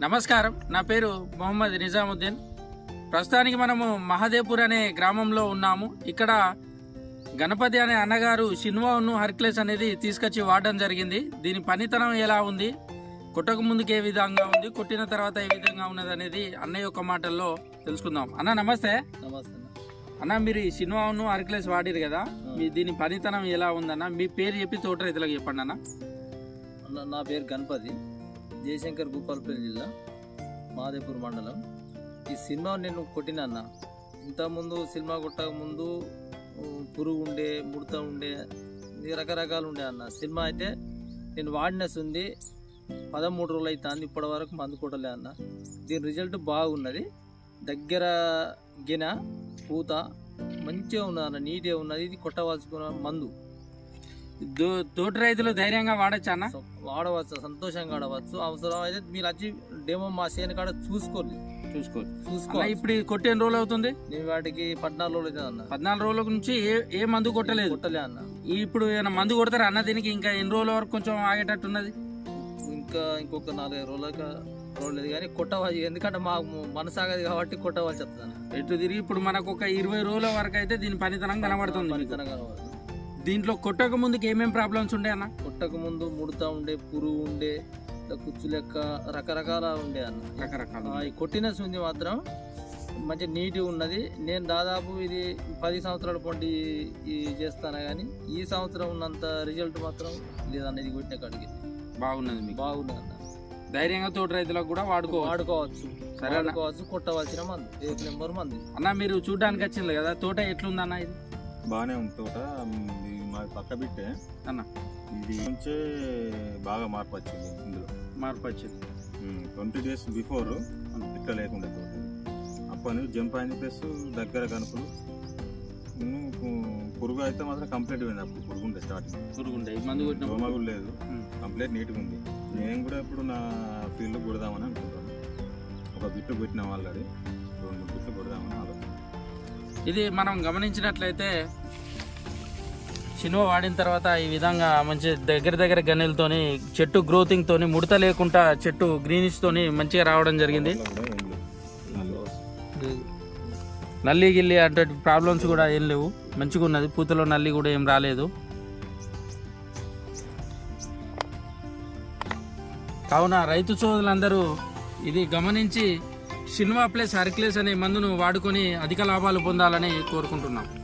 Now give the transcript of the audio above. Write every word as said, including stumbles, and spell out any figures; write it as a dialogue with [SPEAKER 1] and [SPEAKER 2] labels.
[SPEAKER 1] నమస్కారం, నా పేరు మొహమ్మద్ నిజాముద్దీన్. ప్రస్తుతానికి మనము మహదేవ్పూర్ అనే గ్రామంలో ఉన్నాము. ఇక్కడ గణపతి అనే అన్నగారు షిన్వాను హెర్క్యులెస్ అనేది తీసుకొచ్చి వాడడం జరిగింది. దీని పనితనం ఎలా ఉంది, కొట్టక ముందుకు ఏ విధంగా ఉంది, కొట్టిన తర్వాత ఏ విధంగా ఉన్నది అనేది అన్నయ్య యొక్క మాటల్లో తెలుసుకుందాం. అన్న నమస్తే.
[SPEAKER 2] నమస్తే
[SPEAKER 1] అన్న, మీరు ఈ షిన్వాను హెర్క్యులెస్ వాడిరు కదా, మీ దీని పనితనం ఎలా ఉందన్న? మీ పేరు చెప్పి తోట రైతులకు చెప్పండి అన్న.
[SPEAKER 2] అన్న నా పేరు గణపతి, జయశంకర్ భూపాలపల్లి జిల్లా, మహదేవ్పూర్ మండలం. ఈ సినిమా నేను కొట్టిన అన్న. ఇంతకుముందు సినిమా కొట్టక ముందు పురుగు ఉండే, ముడత ఉండే, రకరకాలు ఉండే అన్న. సినిమా అయితే నేను వాడినస్ ఉంది, పదమూడు రోజులు అవుతుంది, ఇప్పటి వరకు మందు కొట్టలే అన్న. దీని రిజల్ట్ బాగున్నది. దగ్గర గిన పూత మంచిగా ఉన్నది అన్న, నీట్గా ఉన్నది. ఇది కొట్టవలసుకున్న మందు.
[SPEAKER 1] తోటి రైతులు ధైర్యంగా వాడచ్చు అన్న?
[SPEAKER 2] వాడవచ్చు, సంతోషంగా ఆడవచ్చు. అవసరం అయితే మీరు వచ్చి డేమో మా చేను కాడ చూసుకోండి
[SPEAKER 1] చూసుకోవచ్చు
[SPEAKER 2] చూసుకో
[SPEAKER 1] ఇప్పుడు కొట్టి ఎన్ని రోజులు అవుతుంది?
[SPEAKER 2] నేను వాటికి పద్నాలుగు రోజులు అవుతుంది అన్న.
[SPEAKER 1] పద్నాలుగు రోజుల నుంచి ఏ ఏ మందు కొట్టలేదు?
[SPEAKER 2] కొట్టలే అన్న.
[SPEAKER 1] ఇప్పుడు ఏమైనా మందు కొడతారా అన్న దీనికి? ఇంకా ఎన్ని రోజుల వరకు కొంచెం ఆగేటట్టు ఉన్నది?
[SPEAKER 2] ఇంకా ఇంకొక నాలుగైదు రోజులకి రోజులేదు కానీ కొట్టవాలి. ఎందుకంటే మాకు మనసాగదు కాబట్టి కొట్టవలసి వస్తుంది.
[SPEAKER 1] ఎటు తిరిగి ఇప్పుడు మనకు ఒక ఇరవై రోజుల వరకు అయితే దీని పనితనం కనబడుతుంది.
[SPEAKER 2] పనితనం కనబడుతుంది.
[SPEAKER 1] దీంట్లో కొట్టక ముందుకు ఏమేమి ప్రాబ్లమ్స్ ఉండే అన్న?
[SPEAKER 2] కొట్టక ముందు ముడతా ఉండే, పురుగు ఉండే, కుచ్చు లెక్క రకరకాల ఉండే అన్న.
[SPEAKER 1] రకరకాల
[SPEAKER 2] ఈ కొట్టిన శుంది మాత్రం మంచి నీట్గా ఉన్నది. నేను దాదాపు ఇది పది సంవత్సరాల పండి చేస్తాను కానీ ఈ సంవత్సరం ఉన్నంత రిజల్ట్ మాత్రం లేదన్న. ఇది కొట్టిన కాడికి
[SPEAKER 1] బాగున్నది, మీకు
[SPEAKER 2] బాగున్నది అన్న.
[SPEAKER 1] ధైర్యంగా తోటి రైతులకు కూడా వాడుకో
[SPEAKER 2] వాడుకోవచ్చు సరే వాడుకోవచ్చు. కొట్టవలసిన మంది ఏక్ నెంబర్ మంది
[SPEAKER 1] అన్న. మీరు చూడడానికి వచ్చింది కదా, తోట ఎట్లుందన్న? ఇది
[SPEAKER 3] బాగానే ఉంది తోట. మా పక్క బిట్టే
[SPEAKER 1] అన్న,
[SPEAKER 3] ఇది నుంచే బాగా మార్పు వచ్చింది. ఇందులో
[SPEAKER 1] మార్పు వచ్చింది.
[SPEAKER 3] ట్వంటీ డేస్ బిఫోర్ ఇట్లా లేకుండా తోట అప్పటి నుంచి జంప్ అయింది. ప్లస్ దగ్గర కనుపులు, పురుగు అయితే మాత్రం కంప్లీట్ పోయింది. అప్పుడు పురుగు ఉండే స్టార్టింగ్,
[SPEAKER 1] పురుగు ఉండే, మందు కొట్టిన
[SPEAKER 3] దోమ కూడా లేదు, కంప్లీట్ నీట్గా ఉంది. నేను కూడా ఇప్పుడు నా ఫీల్డ్ కొడదామని అనుకుంటాను. ఒక బిట్టు కొట్టిన ఆల్రెడీ, రెండు మూడు బిట్లు కొడదామని ఆలోచన.
[SPEAKER 1] ఇది మనం గమనించినట్లయితే షిన్వా వాడిన తర్వాత ఈ విధంగా మంచి దగ్గర దగ్గర గన్నెలతోని, చెట్టు గ్రోతింగ్ తోని, ముడత లేకుండా చెట్టు గ్రీనిష్ తోని మంచిగా రావడం జరిగింది. నల్లి గిల్లి అంటే ప్రాబ్లమ్స్ కూడా ఏం లేవు, మంచిగా ఉన్నది. పూతలో నల్లి కూడా ఏం రాలేదు. కావున రైతు సోదరులందరూ ఇది గమనించి షిన్వా ప్లస్ హెర్క్యులెస్ అనే మందును వాడుకొని అధిక లాభాలు పొందాలని కోరుకుంటున్నాం.